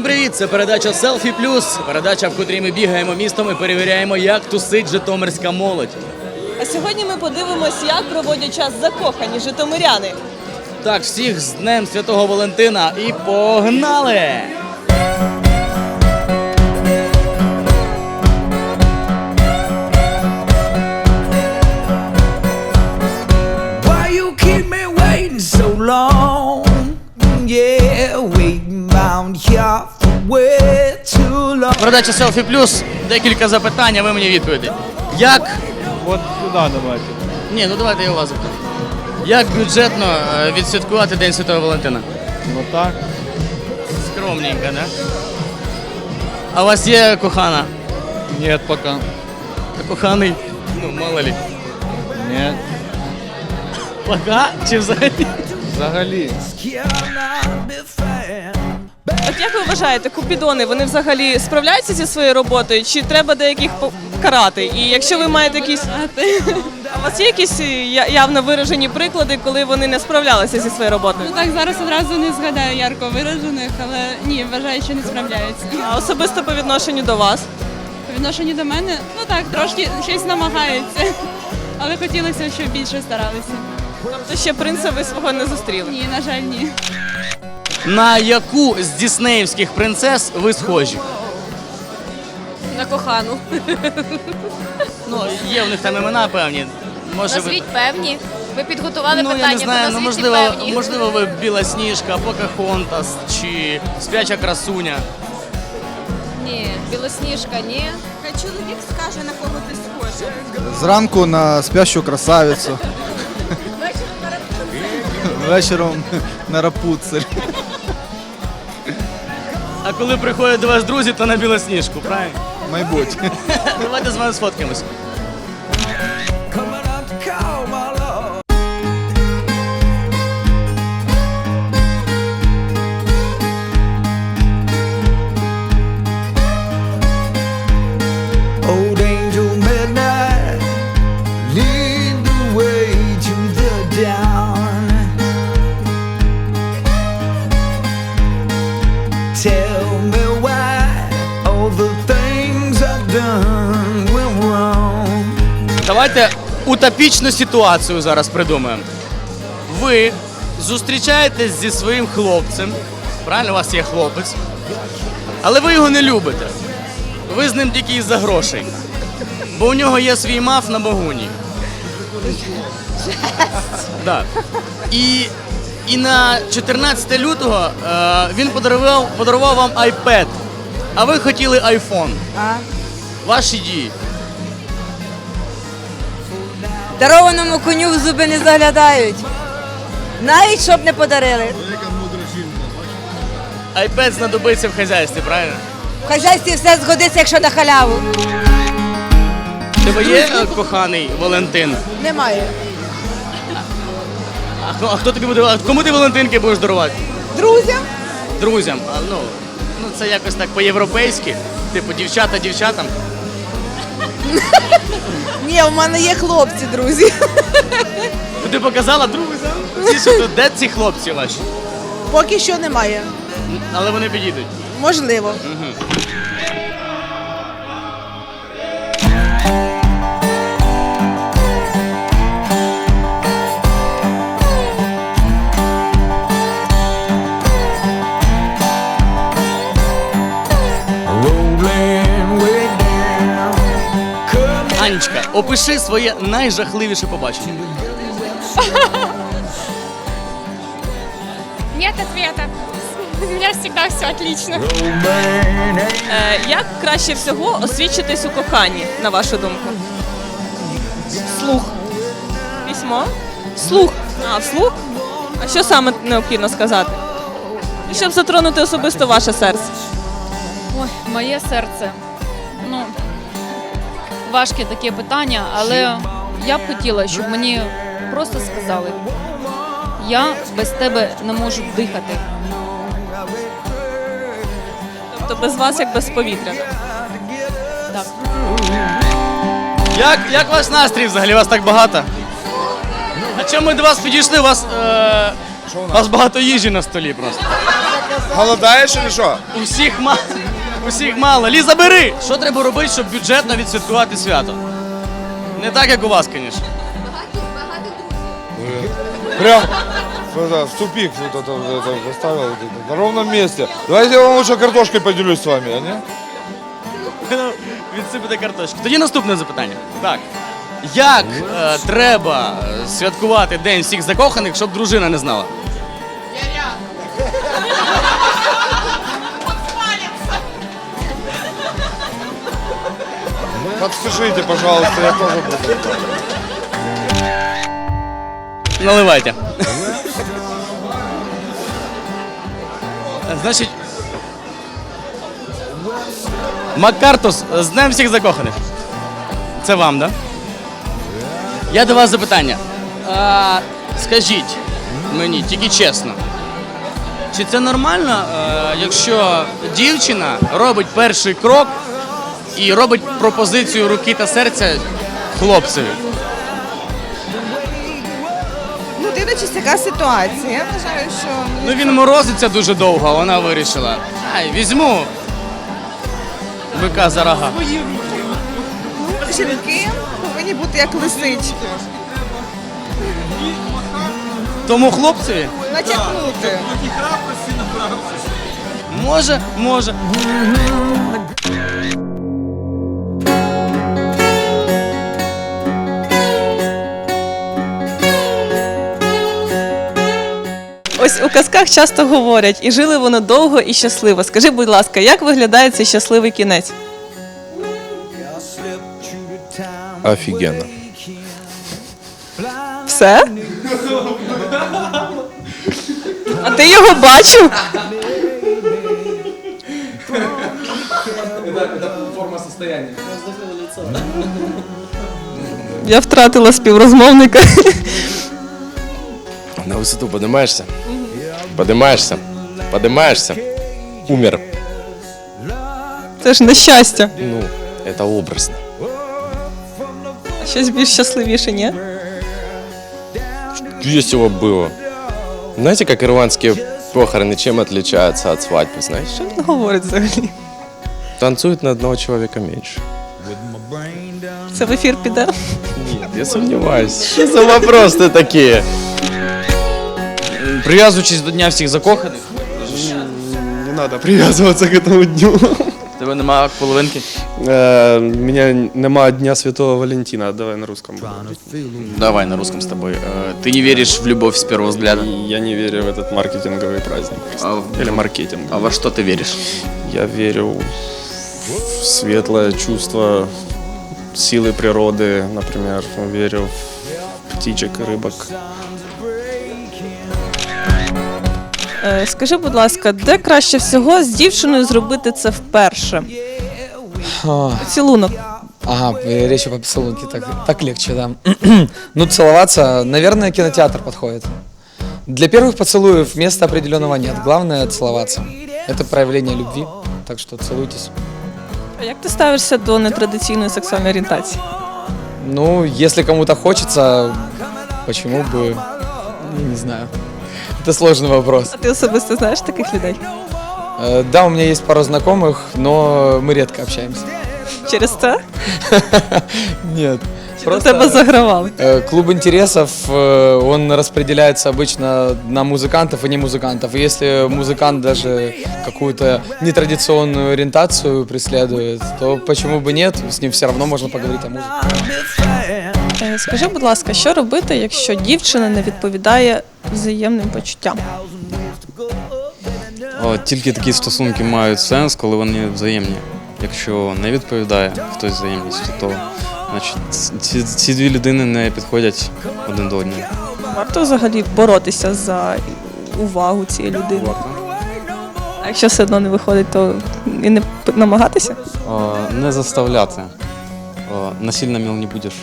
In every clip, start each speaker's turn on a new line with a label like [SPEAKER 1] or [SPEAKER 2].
[SPEAKER 1] Всім привіт! Це передача «Селфі Плюс», передача, в котрій ми бігаємо містом і перевіряємо, як тусить житомирська молодь.
[SPEAKER 2] А сьогодні ми подивимось, як проводять час закохані житомиряни.
[SPEAKER 1] Так, всіх з Днем Святого Валентина і погнали!
[SPEAKER 3] Why you keep me waiting so long? Yeah, waiting round here for way too long.
[SPEAKER 1] Передача «Селфі Плюс». Декілька запитань, а ви мені відповіді. Як...
[SPEAKER 4] Вот сюда давайте.
[SPEAKER 1] Ні, ну давайте я у вас запитаю. Як бюджетно відсвяткувати День Святого Валентина?
[SPEAKER 4] Вот так.
[SPEAKER 1] Скромненько, да? А у вас є кохана?
[SPEAKER 4] Нет пока.
[SPEAKER 1] А коханий? Ну, мало ли.
[SPEAKER 4] Нет.
[SPEAKER 1] Пока чи взагалі?
[SPEAKER 4] Взагалі.
[SPEAKER 3] Cannot be fair.
[SPEAKER 2] От як ви вважаєте, купідони, вони взагалі справляються зі своєю роботою, чи треба деяких карати? І якщо ви маєте якісь... А у вас є якісь явно виражені приклади, коли вони не справлялися зі своєю роботою?
[SPEAKER 5] Ну так, зараз одразу не згадаю ярко виражених, але ні, вважаю, що не справляються.
[SPEAKER 2] А особисто по відношенню до вас?
[SPEAKER 5] По відношенню до мене, ну так, трошки щось намагаються, але хотілося, щоб більше старалися.
[SPEAKER 2] Тобто ще принца ви свого не зустріли?
[SPEAKER 5] Ні, на жаль, ні.
[SPEAKER 1] На яку з діснеївських принцес ви схожі?
[SPEAKER 6] На кохану.
[SPEAKER 1] Ну, є в них там імена певні. Може,
[SPEAKER 6] Назвіть певні. Ви підготували
[SPEAKER 1] Ну, я
[SPEAKER 6] питання,
[SPEAKER 1] не знаю,
[SPEAKER 6] то
[SPEAKER 1] ну,
[SPEAKER 6] назвіть певні.
[SPEAKER 1] можливо, ви Білосніжка, Покахонтас чи Спляча красуня.
[SPEAKER 6] Ні, Білосніжка, ні.
[SPEAKER 7] Хай чоловік скаже, на кого ти схожа.
[SPEAKER 8] Зранку на спящу красавицю. Вечором на Рапуцель.
[SPEAKER 1] А коли приходять до вас друзі, то на Білосніжку, правильно?
[SPEAKER 8] Мабуть.
[SPEAKER 1] Давайте з вами сфоткаємось.
[SPEAKER 3] Coming up to call my love. Old angel midnight, lead the way to the dawn. Tell me why all the things I've done went wrong.
[SPEAKER 1] Давайте утопічну ситуацію зараз придумаємо. Ви зустрічаєтесь зі своїм хлопцем, правильно, у вас є хлопець, але ви його не любите. Ви з ним тільки із-за грошей. Бо у нього є свій маф на Богуні. Да. І на 14 лютого він подарував вам iPad, а ви хотіли iPhone. Ваші дії.
[SPEAKER 9] Дарованому коню в зуби не заглядають. Навіть щоб не подарили.
[SPEAKER 1] iPad знадобиться в хазяйстві, правильно?
[SPEAKER 9] В хазяйстві все згодиться, якщо на халяву.
[SPEAKER 1] У тебе є коханий Валентин?
[SPEAKER 9] Немає.
[SPEAKER 1] А хто тобі буде? Кому ти Валентинки будеш дарувати?
[SPEAKER 9] Друзям?
[SPEAKER 1] Друзям. Ну це якось так по-європейськи. Типу дівчата дівчатам.
[SPEAKER 9] Ні, у мене є хлопці, друзі.
[SPEAKER 1] Ну, ти показала друзям? Ці що тут, де ці хлопці ваші?
[SPEAKER 9] Поки що немає.
[SPEAKER 1] Але вони підійдуть.
[SPEAKER 9] Можливо.
[SPEAKER 3] Rolling way down. Come
[SPEAKER 1] Анечка, опиши своє найжахливіше побачення.
[SPEAKER 5] Нет ответа. У мене завжди все отлично.
[SPEAKER 3] on,
[SPEAKER 2] Як краще всього освідчитись у коханні, на вашу думку? Слух. Письмо? Слух. А, вслух? А що саме необхідно сказати? Щоб затронути особисто ваше серце.
[SPEAKER 10] Ой, моє серце. Ну, важке таке питання, але я б хотіла, щоб мені просто сказали: я без тебе не можу дихати.
[SPEAKER 2] Тобто без вас як без повітря.
[SPEAKER 10] Так.
[SPEAKER 1] Як ваш настрій взагалі? Вас так багато? А чому ми до вас підійшли? У вас багато їжі на столі просто.
[SPEAKER 11] Голодаешь или что?
[SPEAKER 1] Усіх мало. Ліза, бери! Що треба робити, щоб бюджетно відсвяткувати свято? Не так, як у вас, звісно.
[SPEAKER 11] Прям в тупик поставил на ровном месте. Давайте я вам лучше картошкой поделюсь с вами, а не?
[SPEAKER 1] Відсипати картошки. Тоді наступне запитання. Так. Як треба святкувати День всіх закоханих, щоб дружина не знала?
[SPEAKER 11] Подскажите, пожалуйста, я тоже буду.
[SPEAKER 1] Наливайте. Значить, Маккартус, з Днем всіх закоханих. Це вам, да? Я до вас запитання. Скажіть мені, тільки чесно, чи це нормально, якщо дівчина робить перший крок і робить пропозицію руки та серця хлопцеві?
[SPEAKER 7] Ну, дивлячись, яка ситуація. Я вважаю, що
[SPEAKER 1] Ну він морозиться дуже довго, а вона вирішила. Ай, візьму бика за рога.
[SPEAKER 7] жінки повинні бути як лисички.
[SPEAKER 1] Тому хлопцеві?
[SPEAKER 7] Натякнути.
[SPEAKER 1] Може.
[SPEAKER 2] Ось у казках часто говорять, і жили вони довго і щасливо. Скажи, будь ласка, як виглядає цей щасливий кінець?
[SPEAKER 11] Офігенно.
[SPEAKER 2] Все? А ти його бачив? Я втратила співрозмовника.
[SPEAKER 12] На высоту поднимаешься? Поднимаешься? Поднимаешься? Умер.
[SPEAKER 2] Це ж нещастя.
[SPEAKER 12] Ну, это образно.
[SPEAKER 2] А щось більш щасливіше, ні?
[SPEAKER 12] Весело было. Знаете, как ирландские похороны чем отличаются от свадьбы, знаешь?
[SPEAKER 2] Що він говорить взагалі?
[SPEAKER 12] Танцуют на одного человека меньше.
[SPEAKER 2] Це в ефір піде?
[SPEAKER 12] Нет, я сомневаюсь. Что за вопросы такие?
[SPEAKER 1] Прив'язуючись до Дня всіх закоханих,
[SPEAKER 12] Не надо привязываться к этому дню.
[SPEAKER 1] тебе немає половинки.
[SPEAKER 12] У меня нема Дня Святого Валентина. Давай на русском.
[SPEAKER 1] Давай на русском с тобой. Ты не веришь в любовь с первого взгляда?
[SPEAKER 12] Я не верю в этот маркетинговый праздник. Или маркетинг.
[SPEAKER 1] А во что ты веришь?
[SPEAKER 12] Я верю в светлое чувство силы природы, например. Верю в птичек и рыбок.
[SPEAKER 2] Скажи, будь ласка, де краще всього з дівчиною зробити це вперше? Поцілунок.
[SPEAKER 13] Ага, речь по поцелунке, так легче, да. Ну, целоваться, наверное, кинотеатр подходит. Для первых поцелуев места определенного нет. Главное целоваться. Это проявление любви, так что целуйтесь.
[SPEAKER 2] А як ти ставишся до нетрадиційної сексуальної орієнтації?
[SPEAKER 13] Ну, если кому-то хочется, почему бы, не знаю. Это сложный вопрос.
[SPEAKER 2] А ти особисто знаєш таких людей?
[SPEAKER 13] Да, у меня есть пару знакомых, но мы редко общаемся.
[SPEAKER 2] Через це?
[SPEAKER 13] Нет.
[SPEAKER 2] Чи до тебе загравали?
[SPEAKER 13] Клуб интересов, он распределяется обычно на музыкантов и не музыкантов. И если музыкант даже какую-то нетрадиционную ориентацию преследует, то почему бы нет, с ним все равно можно поговорить о музыке.
[SPEAKER 2] Скажи, будь ласка, що робити, якщо дівчина не відповідає взаємним почуттям?
[SPEAKER 14] Тільки такі стосунки мають сенс, коли вони взаємні. Якщо не відповідає хтось взаємністю, то значить ці дві людини не підходять один до одного.
[SPEAKER 2] Варто взагалі боротися за увагу цієї людини? А якщо все одно не виходить, то і не намагатися?
[SPEAKER 14] Не заставляти. Насильно мил не будеш.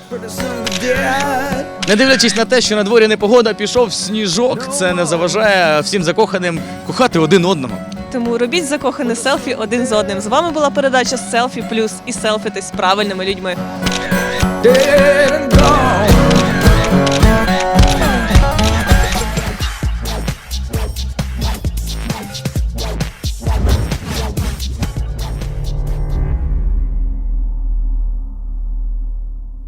[SPEAKER 1] Не дивлячись на те, що на дворі непогода, пішов сніжок, це не заважає всім закоханим кохати один одного.
[SPEAKER 2] Тому робіть закохане селфі один з одним. З вами була передача «Селфі Плюс» і селфітесь з правильними людьми.
[SPEAKER 3] Dead and gone.